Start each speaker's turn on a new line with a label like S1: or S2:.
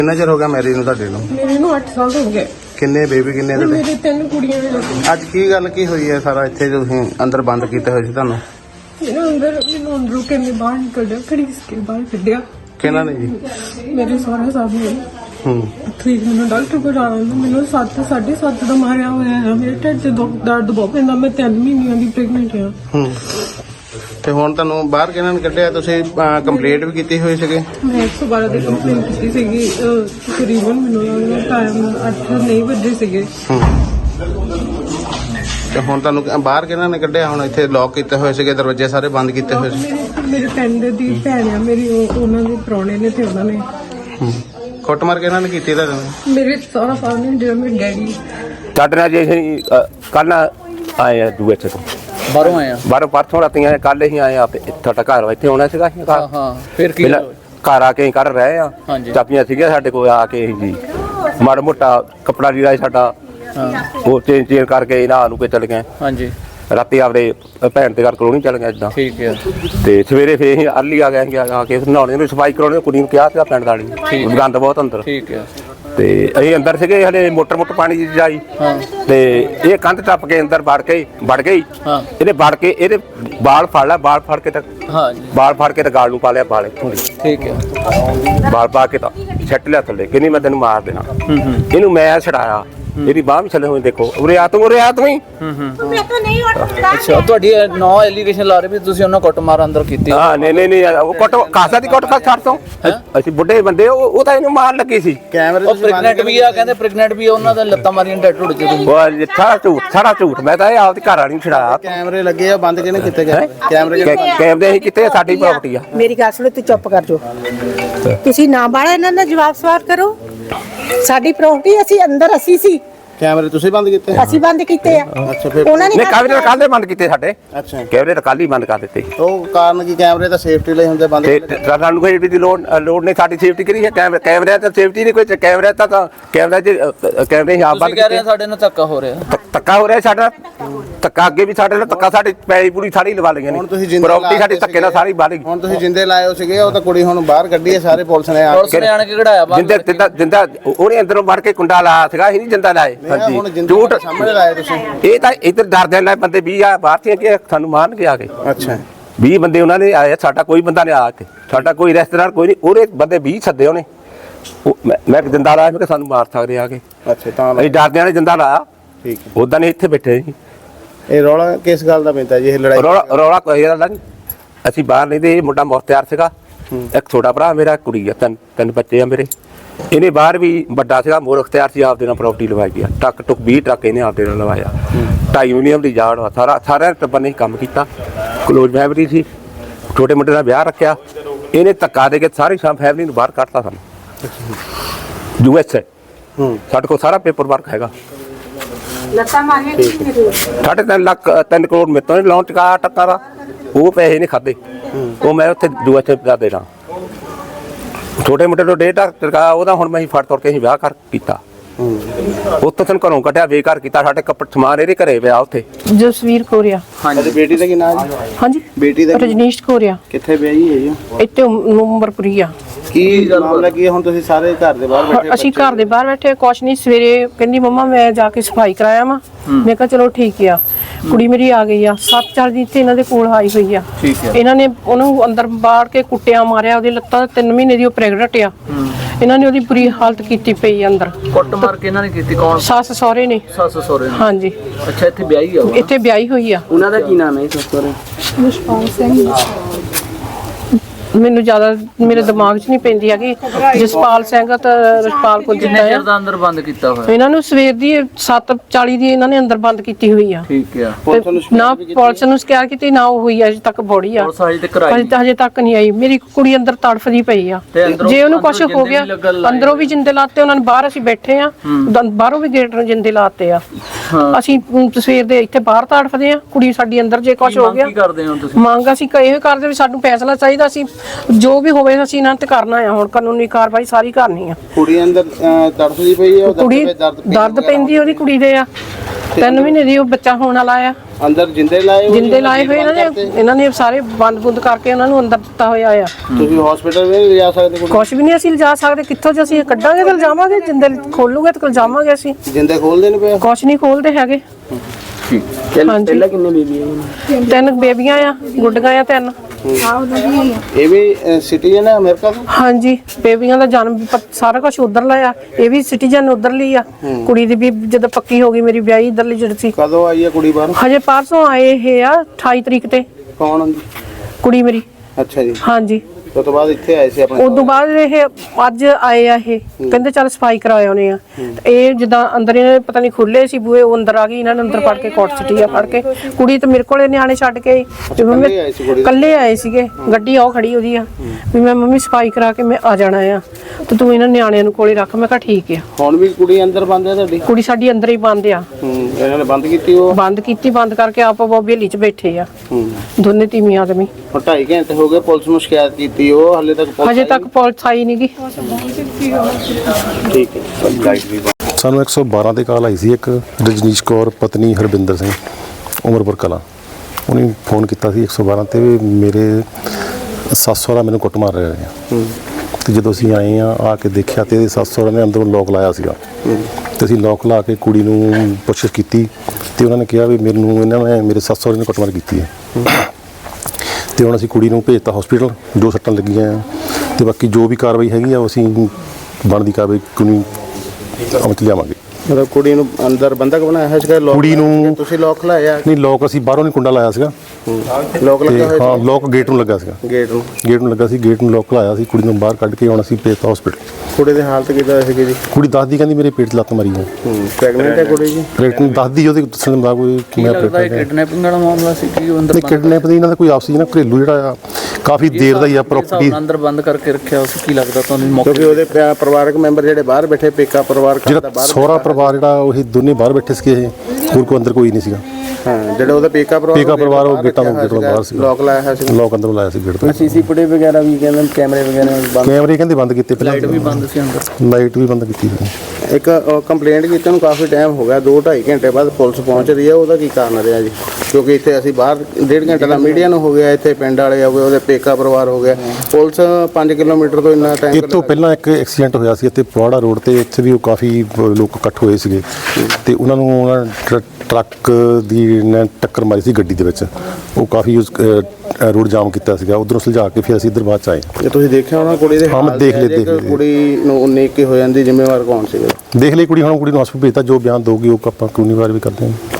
S1: ਕਿੰਨਾ ਚਿਰ ਹੋ ਗਿਆ ਮੈਰਿਜ ਨੂੰ ਤੁਹਾਡੇ ਨੂੰ?
S2: ਮੇਰੇ ਨੂੰ 8 ਸਾਲ ਹੋ ਗਏ।
S1: ਕਿੰਨੇ ਬੇਬੀ ਕਿੰਨੇ ਤੁਹਾਡੇ?
S2: ਮੇਰੇ 3 ਕੁੜੀਆਂ ਨੇ।
S1: ਅੱਜ ਕੀ ਗੱਲ ਕੀ ਹੋਈ ਹੈ ਸਾਰਾ ਇੱਥੇ ਤੁਸੀਂ ਅੰਦਰ ਬੰਦ ਕੀਤੇ ਹੋਏ ਸੀ ਤੁਹਾਨੂੰ?
S2: ਮੈਨੂੰ ਅੰਦਰੋਂ ਕਿੰਨੇ ਬਾਹਰ ਨਿਕਲਿਆ, ਖੜੀਸ ਕੇ ਬਾਹਰ ਕੱਢਿਆ।
S1: ਕਿਹਨਾਂ ਨੇ ਜੀ?
S2: ਮੇਰੇ ਸਹੁਰਾ ਸਾਹਿਬ ਨੇ। ਠੀਕ, ਮੈਨੂੰ ਡਾਕਟਰ ਕੋਲ ਜਾਣਾ, ਮੈਨੂੰ 7.5 ਦਾ ਮਾਰਿਆ ਹੋਇਆ ਹੈ। ਮੇਰੇ ਢਿੱਡ 'ਚ ਦਰਦ ਬਹੁਤ ਪੈਂਦਾ। ਮੈਂ 3 ਮਹੀਨਿਆਂ ਦੀ ਪ੍ਰੈਗਨੈਂਟ ਹਾਂ।
S1: ਤੇ ਹੁਣ ਤੁਹਾਨੂੰ ਬਾਹਰ ਕਿਹਨਾਂ ਨੇ ਕੱਢਿਆ? ਤੁਸੀਂ ਕੰਪਲੇਂਟ ਵੀ ਕੀਤੀ ਹੋਈ ਸੀਗੀ?
S2: ਮੈਂ 112 ਦੀ ਕੰਪਲੇਂਟ ਕੀਤੀ ਸੀਗੀ। ਤਕਰੀਬਨ ਮੈਨੂੰ ਟਾਈਮ 8 ਨਹੀਂ ਵੱਜੇ ਸੀਗੇ।
S1: ਤੇ ਹੁਣ ਤੁਹਾਨੂੰ ਬਾਹਰ ਕਿਹਨਾਂ ਨੇ ਕੱਢਿਆ? ਹੁਣ ਇੱਥੇ ਲੌਕ ਕੀਤੇ ਹੋਏ ਸੀਗੇ, ਦਰਵਾਜ਼ੇ ਸਾਰੇ ਬੰਦ ਕੀਤੇ ਹੋਏ ਸੀ।
S2: ਮੇਰੇ ਪਿੰਡ ਦੀ ਭੈਣ ਆ ਮੇਰੀ, ਉਹਨਾਂ ਦੇ ਪ੍ਰਾਹੁਣੇ ਨੇ ਤੇ ਉਹਨਾਂ ਨੇ
S1: ਕੁੱਟਮਾਰ ਕਿਹਨਾਂ ਨੇ ਕੀਤੀ ਤੁਹਾਡੇ ਨਾਲ?
S2: ਮੇਰੇ ਸਹੁਰਾ ਸਾਹਿਬ ਨੇ, ਜਿਹੜਾ ਮੇਰੇ ਡੈਡੀ।
S3: ਸਾਡੇ ਨਾਲ ਜੇ ਅਸੀਂ ਕੱਲ ਆਏ ਆ ਦੂਏ ਤੋਂ
S4: ਬਾਹਰੋਂ ਆਏ ਆ,
S3: ਬਾਹਰੋਂ ਪਰਸੋਂ ਰਾਤੀ ਆਏ, ਕੱਲ ਹੀ ਆਏ ਆ। ਤੁਹਾਡਾ ਘਰ ਇੱਥੇ ਆਉਣਾ ਸੀਗਾ?
S4: ਹਾਂ ਫਿਰ ਕੀ
S3: ਘਰ ਆ ਕੇ ਅਸੀਂ ਕਰ ਰਹੇ ਆ। ਚਾਬੀਆਂ ਸੀਗੀਆਂ ਸਾਡੇ ਕੋਲ, ਆ ਕੇ ਜੀ ਮਾੜਾ ਮੋਟਾ ਕੱਪੜਾ ਲੀੜਾ ਸਾਡਾ ਉਹ ਚੇਂਜ ਕਰਕੇ ਇਹਨਾਂ ਨੂੰ ਕੇ ਚਲੇ ਗਏ।
S4: ਹਾਂਜੀ,
S3: ਰਾਤੀ ਆਪਦੇ ਭੈਣ ਦੇ ਘਰ ਕਲੋਨੀ ਚੱਲ ਗਏ ਇਦਾਂ।
S4: ਠੀਕ ਹੈ।
S3: ਤੇ ਸਵੇਰੇ ਫੇਰ ਅਸੀਂ ਅਰਲੀ ਆ ਗਏ, ਆ ਕੇ ਨਹਾਉਣੇ ਨੂੰ ਸਫਾਈ ਕਰਾਉਣੀ, ਕੁੜੀ ਨੂੰ ਕਿਹਾ ਸੀਗਾ ਪਿੰਡ ਵਾਲੀ, ਗੰਦ ਬਹੁਤ ਅੰਦਰ।
S4: ਠੀਕ ਹੈ।
S3: ਤੇ ਅਸੀਂ ਅੰਦਰ ਸੀਗੇ, ਹਲੇ ਮੋਟਰ ਪਾਣੀ ਦੀ ਜਾਈ ਤੇ ਇਹ ਕੰਧ ਟੱਪ ਕੇ ਅੰਦਰ ਵੜ ਗਈ। ਇਹਨੇ ਵੜ ਕੇ ਇਹਦੇ ਬਾਲ ਫੜ ਲਿਆ, ਬਾਲ ਫੜ ਕੇ ਤਾਂ ਬਾਲ ਫੜ ਕੇ ਤਾਂ ਗਾਲ ਨੂੰ ਪਾ ਲਿਆ, ਬਾਲ ਇੱਥੋਂ ਦੀ।
S4: ਠੀਕ ਹੈ।
S3: ਬਾਲ ਪਾ ਕੇ ਤਾਂ ਛੱਟ ਲਿਆ ਥੱਲੇ, ਕਹਿੰਦੀ ਮੈਂ ਤੈਨੂੰ ਮਾਰ ਦੇਣਾ। ਇਹਨੂੰ ਮੈਂ ਛਡਾਇਆ, ਇਹਦੀ ਬਾਹ ਵੀ ਛੱਲੇ ਹੋਏ, ਦੇਖੋ ਉਰੇ ਆ ਤੂੰ ਹੀ।
S4: ਅੱਛਾ, ਤੁਹਾਡੀ 9 ਐਲੀਗੇਸ਼ਨ ਲਾ ਰਹੇ ਵੀ ਤੁਸੀਂ ਉਹਨਾਂ ਕੁੱਟਮਾਰ ਅੰਦਰ ਕੀਤੀ?
S3: ਹਾਂ, ਨਹੀਂ ਉਹ ਕੁੱਟ ਕਾਸਾ ਦੀ ਕੁੱਟ ਛੱਡ ਤੋਂ। ਅਸੀਂ ਬੁੱਢੇ ਬੰਦੇ, ਉਹ ਤਾਂ ਇਹਨੂੰ ਮਾਰਨ ਲੱਗੀ ਸੀ।
S1: ਕੈਮਰੇ
S4: ਉਹ ਪ੍ਰੈਗਨੈਂਟ ਵੀ ਆ, ਕਹਿੰਦੇ ਪ੍ਰੈਗਨੈਂਟ ਵੀ ਆ, ਉਹਨਾਂ ਦਾ ਲੱਤਾਂ ਮਾਰੀਆਂ ਟੱਟ ਉੱਡ ਕੇ।
S3: ਸਾਰਾ ਝੂਠ। ਮੈਂ ਤਾਂ ਇਹ ਆਪਦੀ ਘਰ ਵਾਲੀ ਨੂੰ ਛਡਾਇਆ।
S1: ਕੈਮਰੇ ਲੱਗੇ ਆ, ਬੰਦ ਕਿਹਨੇ ਕੀਤੇ ਗਏ?
S3: ਕੈਮਰੇ ਅਸੀਂ ਕਿਤੇ, ਸਾਡੀ ਪ੍ਰਾਪਰਟੀ ਆ।
S5: ਮੇਰੀ ਗੱਲ ਸੁਣੋ, ਤੂੰ ਚੁੱਪ ਕਰ ਜੋ। ਤੁਸੀਂ ਨਾ ਬਾਹਲਾ ਇਹਨਾਂ ਦਾ ਜਵਾਬ ਸਵਾਲ ਕਰੋ। ਸਾਡੀ ਪ੍ਰਾਪਰਟੀ, ਅਸੀਂ ਅੰਦਰ ਅਸੀਂ ਸੀ।
S1: ਕੈਮਰੇ ਤੁਸੀਂ ਬੰਦ ਕੀਤੇ?
S5: ਅਸੀਂ ਬੰਦ ਕੀਤੇ ਆ।
S1: ਅੱਛਾ, ਫਿਰ
S5: ਉਹਨਾਂ ਨੇ
S3: ਕੈਮਰੇ ਕੱਲ ਦੇ ਬੰਦ ਕੀਤੇ ਸਾਡੇ।
S1: ਅੱਛਾ,
S3: ਕੈਮਰੇ ਤਾਂ ਕੱਲ ਹੀ ਬੰਦ ਕਰ ਦਿੱਤੇ।
S1: ਉਹ ਕਾਰਨ ਕੀ? ਕੈਮਰੇ ਤਾਂ ਸੇਫਟੀ ਲਈ ਹੁੰਦੇ ਬੰਦ।
S3: ਤੇ ਸਾਨੂੰ ਕੋਈ ਦੀ ਲੋੜ ਨਹੀਂ, ਸਾਡੀ ਸੇਫਟੀ ਕਰੀ ਹੈ। ਕੈਮਰੇ ਤਾਂ ਸੇਫਟੀ ਨਹੀਂ ਕੋਈ, ਕੈਮਰੇ ਤਾਂ ਕੈਮਰੇ ਹੀ ਆਪ ਬੰਦ
S4: ਕਹਿ ਰਹੇ ਸਾਡੇ ਨਾਲ ਧੱਕਾ ਹੋ ਰਿਹਾ।
S3: ਧੱਕਾ ਹੋ ਰਿਹਾ ਸਾਡਾ, ਧੱਕਾ ਅੱਗੇ ਵੀ ਸਾਡੇ ਨਾਲ ਧੱਕਾ, ਸਾਡੀ ਪੈਲੀ ਪੂਰੀ ਸਾਰੀ ਲਵਾ ਲਈਆਂ ਨੇ। ਪ੍ਰਾਪਰਟੀ ਸਾਡੀ ਧੱਕੇ ਨਾਲ ਸਾਰੀ ਬਾਹਰ।
S1: ਹੁਣ ਤੁਸੀਂ ਜਿੰਦੇ ਲਾਏ ਹੋ ਸੀਗੇ, ਉਹ ਤਾਂ ਕੁੜੀ ਹੁਣ ਬਾਹਰ ਕੱਢੀ ਹੈ, ਸਾਰੇ ਪੁਲਿਸ ਨੇ
S4: ਆਣ ਕੇ ਕਢਾਇਆ ਬਾਹਰ।
S3: ਜਿੰਦਾ ਉਹਨੇ ਅੰਦਰੋਂ ਵੜ ਕੇ ਕੁੰਡਾ ਲਾਇਆ ਸੀਗਾ, ਅਸੀਂ ਨਹੀਂ ਜਿੰਦਾ ਲਾਏ। ਹਾਂਜੀ, ਝੂਠ
S1: ਸਾਹਮਣੇ ਲਾਏ ਤੁਸੀਂ।
S3: ਇਹ ਤਾਂ ਇੱਧਰ ਡਰਦੇ ਨਾਲ ਬੰਦੇ 20 ਆ ਬਾਹਰ ਸੀ ਕਿ ਸਾਨੂੰ ਮਾਰਨ ਕੇ ਆ ਗਏ।
S1: ਅੱਛਾ,
S3: 20 ਬੰਦੇ ਉਹਨਾਂ ਨੇ ਆਏ, ਸਾਡਾ ਕੋਈ ਬੰਦਾ ਨਹੀਂ ਆ ਕੇ, ਸਾਡਾ ਕੋਈ ਰਿਸ਼ਤੇਦਾਰ ਕੋਈ ਨਹੀਂ। ਉਹਦੇ ਬੰਦੇ 20 ਸੱਦੇ ਉਹਨੇ। ਮੈਂ ਜਿੰਦਾ ਲਾਇਆ, ਮੈਂ ਕਿ ਸਾਨੂੰ ਮਾਰ ਸਕਦੇ ਆ ਕੇ।
S1: ਅੱਛਾ, ਤਾਂ
S3: ਅਸੀਂ ਡਰਦਿਆਂ ਨੇ ਜਿੰਦਾ ਲਾਇਆ।
S1: ਠੀਕ ਹੈ।
S3: ਉਦਾਂ ਨਹੀਂ ਇੱਥੇ ਬੈਠੇ ਸੀ।
S1: ਇਹ ਰੌਲਾ ਕਿਸ ਗੱਲ ਦਾ ਪੈਂਦਾ ਜੀ? ਇਹ ਲੜਾਈ
S3: ਰੌਲਾ ਕੋਈ ਇਹਦਾ ਨਹੀਂ। ਅਸੀਂ ਬਾਹਰ ਨਹੀਂ ਤੇ ਇਹ ਮੁੰਡਾ ਮੁਖਤਿਆਰ ਸੀਗਾ, ਇੱਕ ਛੋਟਾ ਭਰਾ ਮੇਰਾ, ਕੁੜੀ ਆ, ਤਿੰਨ ਬੱਚੇ ਆ ਮੇਰੇ। ਇਹਨੇ ਬਾਹਰ ਵੀ ਵੱਡਾ ਸੀਗਾ, ਮੋਰ ਅਖਤਿਆਰ ਸੀ, ਆਪਦੇ ਨਾਲ ਪ੍ਰਾਪਰਟੀ ਲਵਾਈ ਗਿਆ। ਟੱਕ ਟੁੱਕ 20 ਟਰੱਕ ਇਹਨੇ ਆਪਦੇ ਨਾਲ ਲਵਾਇਆ। 2.5 ਯੂਨੀਅਮ ਦੀ ਜਾੜ ਵਾ, ਸਾਰਿਆਂ ਟੱਬਰ ਨੇ ਕੰਮ ਕੀਤਾ। ਕਲੋਜ਼ ਫੈਮਿਲੀ ਸੀ, ਛੋਟੇ ਮੁੰਡੇ ਦਾ ਵਿਆਹ ਰੱਖਿਆ। ਇਹਨੇ ਧੱਕਾ ਦੇ ਕੇ ਸਾਰੀ ਫੈਮਿਲੀ ਨੂੰ ਬਾਹਰ ਕੱਢਤਾ ਸਾਨੂੰ। USA ਸਾਡੇ ਕੋਲ ਸਾਰਾ ਪੇਪਰ ਵਰਕ ਹੈਗਾ।
S5: ਲੱਤਾਂ ਮਾਰੀਆਂ ਕਿਸੇ ਨੇ।
S3: 3 ਕਰੋੜ ਮੇਰੇ ਤੋਂ ਲੋਨ ਚੁਕਾਇਆ ਟੱਕਾ ਦਾ, ਉਹ ਪੈਸੇ ਨਹੀਂ ਖਾਦੇ। ਉਹ ਮੈਂ ਉੱਥੇ USA ਦੇਣਾ। ਛੋਟੇ ਮੁੰਡੇ ਤੋਂ 1.5 ਲੱਖ ਚੁਕਾਇਆ ਉਹਦਾ। ਹੁਣ ਮੈਂ ਫੜ ਤੋੜ ਕੇ ਅਸੀਂ ਵਿਆਹ ਕੀਤਾ। ਉੱਥੋਂ ਸਾਨੂੰ ਘਰੋਂ ਕੱਢਿਆ, ਬੇਘਰ ਕੀਤਾ। ਸਾਡੇ ਕੱਪੜੇ ਸਮਾਨ ਇਹਦੇ ਘਰੇ ਪਿਆ ਉੱਥੇ।
S5: ਜਸਵੀਰ ਕੋਰੀਆ।
S1: ਹਾਂਜੀ, ਬੇਟੀ ਦਾ ਕੀ ਨਾਮ ਜੀ?
S5: ਹਾਂਜੀ,
S1: ਬੇਟੀ ਦਾ
S5: ਰਜਨੀਸ਼ ਕੋਰੀਆ।
S1: ਕਿੱਥੇ ਵਿਆਹੀ ਹੈ ਜੀ?
S5: ਇੱਥੇ ਨੰਬਰਪੁਰੀ ਆ।
S1: ਕੀ ਮਾਮਲਾ ਕੀ ਹੈ? ਹੁਣ ਤੁਸੀਂ ਸਾਰੇ ਘਰ ਦੇ ਬਾਹਰ ਬੈਠੇ?
S5: ਅਸੀਂ ਘਰ ਦੇ ਬਾਹਰ ਬੈਠੇ, ਕੁਛ ਨਹੀਂ। ਸਵੇਰੇ ਕਹਿੰਦੀ ਮੰਮਾ ਮੈਂ ਜਾ ਕੇ ਸਫਾਈ ਕਰਾਇਆ ਵਾ। ਮੈਂ ਕਿਹਾ ਚਲੋ ਠੀਕ ਆ। ਕੁੜੀ ਮੇਰੀ ਆ ਗਈ ਆ 7-4 ਦਿਨ ਤੇ ਇਹਨਾਂ ਦੇ ਕੋਲ ਆਈ ਹੋਈ ਆ। ਇਹਨਾਂ ਨੇ ਉਹਨੂੰ ਅੰਦਰ ਬਾੜ ਕੇ ਕੁੱਟਿਆ, ਮਾਰਿਆ। ਉਹਦੀ ਲੱਤਾਂ 3 ਮਹੀਨੇ ਦੀ ਉਹ ਪ੍ਰੈਗਨੈਂਟ ਆ। ਇਹਨਾਂ ਨੇ ਉਹਦੀ ਬੁਰੀ ਹਾਲਤ ਕੀਤੀ ਪਈ ਅੰਦਰ।
S4: ਕੁੱਟ ਮਾਰ ਕੇ ਇਹਨਾਂ ਨੇ ਕੀਤੀ? ਕੌਣ?
S5: ਸੱਸ ਸਹੁਰੇ ਨੇ।
S4: ਸੱਸ ਸਹੁਰੇ ਨੇ?
S5: ਹਾਂਜੀ।
S4: ਅੱਛਾ, ਇੱਥੇ ਵਿਆਹੀ ਆ?
S5: ਇੱਥੇ ਵਿਆਹੀ ਹੋਈ ਆ।
S4: ਉਹਨਾਂ ਦਾ ਕੀ ਨਾਮ ਹੈ ਸੱਸ ਸਹੁਰੇ?
S5: ਜਸਪਾਲ ਸਿੰਘ। ਮੈਨੂੰ ਜ਼ਿਆਦਾ ਮੇਰੇ ਦਿਮਾਗ 'ਚ ਨਹੀਂ ਪੈਂਦੀ ਹੈਗੀ। ਜਸਪਾਲ ਸਿੰਘ ਤਾਂ ਰਸਪਾਲ ਕੋਲ ਜਿੱਦਾਂ
S4: ਚਿਰ ਦਾ ਅੰਦਰ ਬੰਦ ਕੀਤਾ ਹੋਇਆ
S5: ਇਹਨਾਂ ਨੂੰ। ਸਵੇਰ ਦੀ 7:40 ਦੀ ਇਹਨਾਂ ਨੇ ਅੰਦਰ ਬੰਦ ਕੀਤੀ ਹੋਈ ਆ।
S4: ਠੀਕ ਆ।
S5: ਨਾ ਪੁਲਿਸ ਨੂੰ ਸ਼ਿਕਾਇਤ ਕੀਤੀ, ਨਾ ਉਹ ਹੋਈ ਅਜੇ ਤੱਕ ਬੋੜੀ ਆ। ਹਜੇ ਤੱਕ ਨਹੀਂ ਆਈ। ਮੇਰੀ ਕੁੜੀ ਅੰਦਰ ਤੜਫਦੀ ਪਈ ਆ। ਜੇ ਉਹਨੂੰ ਕੁਝ ਹੋ ਗਿਆ, ਅੰਦਰੋਂ ਵੀ ਜਿੰਦੇ ਲਾਤੇ ਉਹਨਾਂ ਨੇ। ਬਾਹਰ ਅਸੀਂ ਬੈਠੇ ਆ, ਬਾਹਰੋਂ ਵੀ ਗੇਟ ਨੂੰ ਜਿੰਦੇ ਲਾਤੇ ਆ। ਅਸੀਂ ਸਵੇਰ ਦੇ ਇੱਥੇ ਬਾਹਰ ਤੜਫਦੇ ਆ। ਕੁੜੀ ਸਾਡੀ ਅੰਦਰ ਜੇ ਕੁਝ ਹੋ ਗਿਆ, ਮੰਗ ਅਸੀਂ ਇਹ ਕਰਦੇ ਵੀ ਸਾਨੂੰ ਫੈਸਲਾ ਚਾਹੀਦਾ ਸੀ। ਜੋ ਵੀ ਹੋਵੇ ਅਸੀਂ ਇਹਨਾਂ ਤੇ ਕਰਨਾ ਆ। ਹੁਣ ਕਾਨੂੰਨੀ ਕਾਰਵਾਈ ਸਾਰੀ ਕਰਨੀ ਆ।
S1: ਕੁੜੀ ਅੰਦਰ ਤੜਫਦੀ ਪਈ ਹੈ,
S5: ਕੁੜੀ ਦਰਦ ਪੈਂਦੀ ਉਹਦੀ ਕੁੜੀ ਦੇ ਆ। 3 ਮਹੀਨੇ ਦੀ ਉਹ ਬੱਚਾ ਹੋਣ ਵਾਲਾ ਆ।
S1: ਅੰਦਰ ਜਿੰਦੇ ਲਾਏ
S5: ਜਿੰਦੇ ਲਾਏ ਹੋਏ ਇਹਨਾਂ ਨੇ ਸਾਰੇ ਬੰਦ ਕਰਕੇ ਉਹਨਾਂ ਨੂੰ ਅੰਦਰ ਦਿੱਤਾ ਹੋਇਆ ਆ।
S1: ਤੁਸੀਂ ਹਸਪੀਟਲ ਵੀ ਨਹੀਂ ਲਿਜਾ ਸਕਦੇ
S5: ਕੁਛ ਵੀ ਨਹੀਂ ਅਸੀਂ ਲਿਜਾ ਸਕਦੇ, ਕਿੱਥੋਂ ਜੇ ਅਸੀਂ ਕੱਢਾਂਗੇ ਤਾਂ ਲਿਜਾਵਾਂਗੇ, ਜਿੰਦੇ ਖੋਲੂਗੇ ਤਾਂ ਲਿਜਾਵਾਂਗੇ ਅਸੀਂ।
S1: ਜਿੰਦੇ ਖੋਲਦੇ ਨਹੀਂ ਪਏ?
S5: ਕੁਛ ਨਹੀਂ ਖੋਲਦੇ ਹੈਗੇ। ਹਾਂਜੀ
S4: ਪਹਿਲਾਂ ਕਿੰਨੇ ਬੀਬੀਆਂ?
S5: 3 ਬੇਬੀਆਂ ਆ, ਗੁੱਡੀਆਂ ਆ 3।
S1: ਇਹ ਵੀ ਸਿਟੀਜ਼ਨ ਹੈ ਅਮਰੀਕਾ ਦਾ?
S5: ਹਾਂਜੀ, ਬੇਬੀਆਂ ਦਾ ਜਨਮ ਸਾਰਾ ਕੁਝ ਉਧਰ ਲਿਆ। ਇਹ ਵੀ ਸਿਟੀਜ਼ਨ ਉਧਰ ਲਈ ਆ। ਕੁੜੀ ਦੀ ਵੀ ਜਦੋਂ ਪੱਕੀ ਹੋ ਗਈ ਮੇਰੀ ਵਿਆਹੀ ਇਧਰਲੀ ਜਿਹੜੀ ਸੀ।
S1: ਕਦੋਂ ਆਈ ਹੈ ਕੁੜੀ ਬਾਹਰ?
S5: ਹਜੇ ਪਰਸੋਂ ਆਏ ਇਹ ਆ 28 ਤਰੀਕ ਤੇ।
S1: ਕੌਣ ਹੁੰਦੀ?
S5: ਕੁੜੀ ਮੇਰੀ।
S1: ਅੱਛਾ ਜੀ।
S5: ਹਾਂਜੀ,
S1: ਉਸ ਤੋਂ ਬਾਅਦ ਇੱਥੇ ਆਏ ਸੀ ਆਪਣੇ?
S5: ਉਸ ਤੋਂ ਬਾਅਦ ਇਹ ਅੱਜ ਆਏ ਆ। ਇਹ ਕਹਿੰਦੇ ਚੱਲ ਸਫਾਈ ਕਰਾ ਆਉਨੇ ਆ। ਇਹ ਜਿੱਦਾਂ ਅੰਦਰ ਇਹਨੇ ਪਤਾ ਨਹੀਂ ਖੁੱਲੇ ਸੀ ਬੂਹੇ, ਉਹ ਅੰਦਰ ਆ ਗਈ, ਇਹਨਾਂ ਨੇ ਅੰਦਰ ਫੜ ਕੇ ਕੋਟ ਸਿੱਟੀ ਆ ਫੜ ਕੇ। ਕੁੜੀ ਤੇ ਮੇਰੇ ਕੋਲੇ ਨਿਆਣੇ ਛੱਡ ਕੇ ਇਕੱਲੇ ਆਏ ਸੀਗੇ। ਗੱਡੀ ਉਹ ਖੜੀ ਉਹਦੀ ਆ ਵੀ ਮੈਂ ਮੰਮੀ ਸਫਾਈ ਕਰਾ ਕੇ ਮੈਂ ਆ ਜਾਣਾ ਆ ਤੇ ਤੂੰ ਇਹਨਾਂ ਨਿਆਣਿਆਂ ਨੂੰ ਕੋਲੇ ਰੱਖ। ਮੈਂ ਕਿਹਾ ਠੀਕ ਆ।
S1: ਹੁਣ ਵੀ ਕੁੜੀ ਅੰਦਰ ਬੰਦ ਹੈ ਤੁਹਾਡੀ?
S5: ਕੁੜੀ ਸਾਡੀ ਅੰਦਰ ਹੀ ਬੰਦ ਆ।
S1: ਇਹਨਾਂ ਨੇ ਬੰਦ ਕੀਤੀ? ਉਹ
S5: ਬੰਦ ਕੀਤੀ, ਬੰਦ ਕਰਕੇ ਆਪ ਬੇਲੀ 'ਚ ਬੈਠੇ ਆ ਦੋਨੇ ਤੀਵੀਂ ਆਦਮੀ।
S1: 2.5 ਘੰਟੇ ਹੋ ਗਏ ਪੁਲਿਸ ਨੂੰ ਸ਼ਿਕਾਇਤ ਕੀਤੀ, ਉਹ ਹਾਲੇ ਤੱਕ
S5: ਹਜੇ ਤੱਕ ਪੁਲਿਸ ਆਈ ਨਹੀਂ ਗੀ।
S1: ਠੀਕ ਹੈ।
S6: ਸਾਨੂੰ 112 ਤੇ ਕਾਲ ਆਈ ਸੀ। ਇੱਕ ਰਜਨੀਸ਼ ਕੌਰ ਪਤਨੀ ਹਰਬਿੰਦਰ ਸਿੰਘ ਉਮਰਪੁਰ ਕਲਾਂ, ਉਹਨੇ ਫੋਨ ਕੀਤਾ ਸੀ 112 ਤੇ ਵੀ ਮੇਰੇ ਸੱਸ ਸਹੁਰਾ ਮੈਨੂੰ ਕੁੱਟ ਮਾਰ ਰਹੇ ਆ। ਤੇ ਜਦੋਂ ਅਸੀਂ ਆਏ ਆ ਕੇ ਦੇਖਿਆ ਤੇ ਸੱਸ ਸਹੁਰਾ ਨੇ ਅੰਦਰੋਂ ਲੋਕ ਲਾਇਆ ਸੀਗਾ ਤੇ ਅਸੀਂ ਲੋਕ ਲਾ ਕੇ ਕੁੜੀ ਨੂੰ ਪੁੱਛਿਸ਼ ਕੀਤੀ ਤੇ ਉਹਨਾਂ ਨੇ ਕਿਹਾ ਵੀ ਮੈਨੂੰ ਇਹਨਾਂ ਨੇ ਮੇਰੇ ਸੱਸ ਸਹੁਰੇ ਨੇ ਕੁੱਟਮਾਰ ਕੀਤੀ ਹੈ। ਤੇ ਹੁਣ ਅਸੀਂ ਕੁੜੀ ਨੂੰ ਭੇਜਤਾ ਹਸਪੀਟਲ, ਜੋ ਸੱਟਾਂ ਲੱਗੀਆਂ ਆ ਤੇ ਬਾਕੀ ਜੋ ਵੀ ਕਾਰਵਾਈ ਹੈਗੀ ਆ ਉਹ ਅਸੀਂ ਬਣਦੀ ਕਾਰਵਾਈ ਕਾਨੂੰਨੀ ਅਮਲ 'ਚ ਲਿਆਵਾਂਗੇ।
S1: ਮਤਲਬ ਕੁੜੀ ਨੂੰ ਅੰਦਰ ਬੰਦਕ ਬਣਾਇਆ ਹੈ ਸੀਗਾ?
S6: ਕੁੜੀ ਨੂੰ
S1: ਤੁਸੀਂ ਲੋਕ ਲਾਇਆ?
S6: ਨਹੀਂ, ਲੋਕ ਅਸੀਂ ਬਾਹਰੋਂ ਨਹੀਂ ਕੁੰਡਾ ਲਾਇਆ ਸੀਗਾ।
S1: ਲੋਕ
S6: ਤੇ
S1: ਲੱਗਾ ਹੋਇਆ
S6: ਹਾਂ, ਲੋਕ ਗੇਟ ਨੂੰ ਲੱਗਾ ਸੀਗਾ।
S1: ਗੇਟ ਨੂੰ
S6: ਲੱਗਾ ਸੀ, ਗੇਟ ਨੂੰ ਲੋਕ ਲਾਇਆ ਸੀ। ਕੁੜੀ ਨੂੰ ਬਾਹਰ ਕੱਢ ਕੇ ਹੁਣ ਅਸੀਂ ਭੇਜਤਾ ਹਸਪੀਟਲ।
S1: ਕੁੜੀ ਦੀ ਹਾਲਤ ਕਿੱਦਾਂ ਸੀਗੀ ਜੀ?
S6: ਕੁੜੀ ਦੱਸਦੀ ਕਹਿੰਦੀ ਮੇਰੇ ਪੇਟ 'ਚ ਲੱਤ ਮਾਰੀ ਹੈ।
S1: ਪ੍ਰੈਗਨੈਂਟ ਹੈ ਕੁੜੀ ਜੀ?
S6: ਪ੍ਰੈਗਨੈਂਟ ਦੱਸਦੀ, ਉਹਦੇ ਦੱਸਣ ਦਾ ਕੋਈ ਮੈਂ ਪ੍ਰੈਗਨੈਂਟ ਹੈ।
S4: ਕਿਡਨੈਪਿੰਗ ਵਾਲਾ ਮਾਮਲਾ ਸੀ ਕਿ ਉਹ ਅੰਦਰ
S6: ਨਹੀਂ, ਕਿਡਨੈਪ ਦੀ ਇਹਨਾਂ ਦਾ ਕੋਈ ਆਪਸੀ ਨਾ ਘਰੇਲੂ ਜਿਹੜਾ ਆ ਕਾਫੀ ਦੇਰ ਦਾ ਹੀ ਆ। ਪ੍ਰਾਪਰਟੀ
S4: ਅੰਦਰ ਬੰਦ ਕਰਕੇ ਰੱਖਿਆ ਉਸ ਕੀ ਲੱਗਦਾ ਤੁਹਾਨੂੰ?
S1: ਕਿਉਂਕਿ ਉਹਦੇ ਪਰਿਵਾਰਕ ਮੈਂਬਰ ਜਿਹੜੇ ਬਾਹਰ ਬੈਠੇ, ਪੇਕਾ ਪਰਿਵਾਰ
S6: ਜਿਹੜਾ ਸਹੁਰਾ ਪਰਿਵਾਰ ਜਿਹੜਾ ਉਹ ਦੋਨੇ ਬਾਹਰ ਬੈਠੇ ਸੀਗੇ। ਇਹ ਹੋਰ ਕੋਈ ਅੰਦਰ ਕੋਈ ਨਹੀਂ ਸੀਗਾ।
S1: ਹਾਂ, ਜਿਹੜਾ ਉਹਦਾ ਪੇਕਾ ਪਰਿਵਾਰ ਉਹ ਗੇਟਾਂ ਤੋਂ ਬਾਹਰ ਸੀ। ਲੋਕ ਲਾਇਆ ਹੋਇਆ ਸੀ?
S6: ਲੋਕ ਅੰਦਰ ਲਾਇਆ ਸੀ ਗੇਟ ਤੋਂ।
S4: ਸੀਸੀ ਫੁਟੇਜ ਵਗੈਰਾ ਵੀ ਕਹਿੰਦੇ ਕੈਮਰੇ ਵਗੈਰਾ ਬੰਦ,
S6: ਕੈਮਰੇ ਕਹਿੰਦੇ ਬੰਦ ਕੀਤੇ ਪਹਿਲਾਂ।
S4: ਲਾਈਟ ਵੀ ਬੰਦ ਸੀ ਅੰਦਰ।
S6: ਲਾਈਟ ਵੀ ਬੰਦ ਕੀਤੀ ਸੀ।
S1: ਇੱਕ ਕੰਪਲੇਂਟ ਕੀਤੀ ਨੂੰ ਕਾਫੀ ਟਾਈਮ ਹੋ ਗਿਆ, 2-2.5 ਘੰਟੇ ਬਾਅਦ ਪੁਲਿਸ ਪਹੁੰਚ ਰਹੀ ਹੈ, ਉਹਦਾ ਕੀ ਕਾਰਨ ਰਿਹਾ ਜੀ? ਕਿਉਂਕਿ ਇੱਥੇ ਅਸੀਂ ਬਾਹਰ 1.5 ਘੰਟੇ ਦਾ ਮੀਡੀਆ ਨੂੰ ਹੋ ਗਿਆ, ਇੱਥੇ ਪਿੰਡ ਵਾਲੇ ਹੋ ਗਏ, ਉਹਦੇ ਪੇਕਾ ਪਰਿਵਾਰ ਹੋ ਗਿਆ, ਪੁਲਿਸ 5 ਕਿਲੋਮੀਟਰ ਤੋਂ ਇੰਨਾ ਟਾਈਮ।
S6: ਇਹ ਤੋਂ ਪਹਿਲਾਂ ਇੱਕ ਐਕਸੀਡੈਂਟ ਹੋਇਆ ਸੀ ਇੱਥੇ ਪੁਆੜਾ ਰੋਡ ਤੇ, ਇੱਥੇ ਵੀ ਉਹ ਕਾਫੀ ਲੋਕ ਇਕੱਠ ਹੋਏ ਸੀਗੇ ਤੇ ਉਹਨਾਂ ਨੂੰ ਟਰੱਕ ਦੀ ਨੇ ਟੱਕਰ ਮਾਰੀ ਸੀ ਗੱਡੀ ਦੇ ਵਿੱਚ। ਉਹ ਕਾਫੀ ਰੋਡ ਜਾਮ ਕੀਤਾ ਸੀਗਾ, ਉਧਰੋਂ ਸੁਲਝਾ ਕੇ ਫਿਰ ਅਸੀਂ ਇੱਧਰ ਬਾਅਦ ਚ ਆਏ।
S1: ਜੇ ਤੁਸੀਂ ਦੇਖਿਆ ਹੋਣਾ ਕੁੜੀ ਦੇ
S6: ਹਾਂ, ਦੇਖ ਲਏ।
S1: ਕੁੜੀ ਨੂੰ 19 ਕੀ ਹੋ ਜਾਂਦੀ, ਜ਼ਿੰਮੇਵਾਰ ਕੌਣ ਸੀਗਾ?
S6: ਦੇਖ ਲਈ ਕੁੜੀ, ਹੁਣ ਕੁੜੀ ਨੂੰ ਹਸਪਤਾਲ ਭੇਜਤਾ। ਜੋ ਬਿਆਨ ਦਊਗੀ ਉਹ ਆਪਾਂ ਕਾਨੂੰਨੀ ਕਾਰਵਾਈ ਕਰਦੇ ਹਾਂ।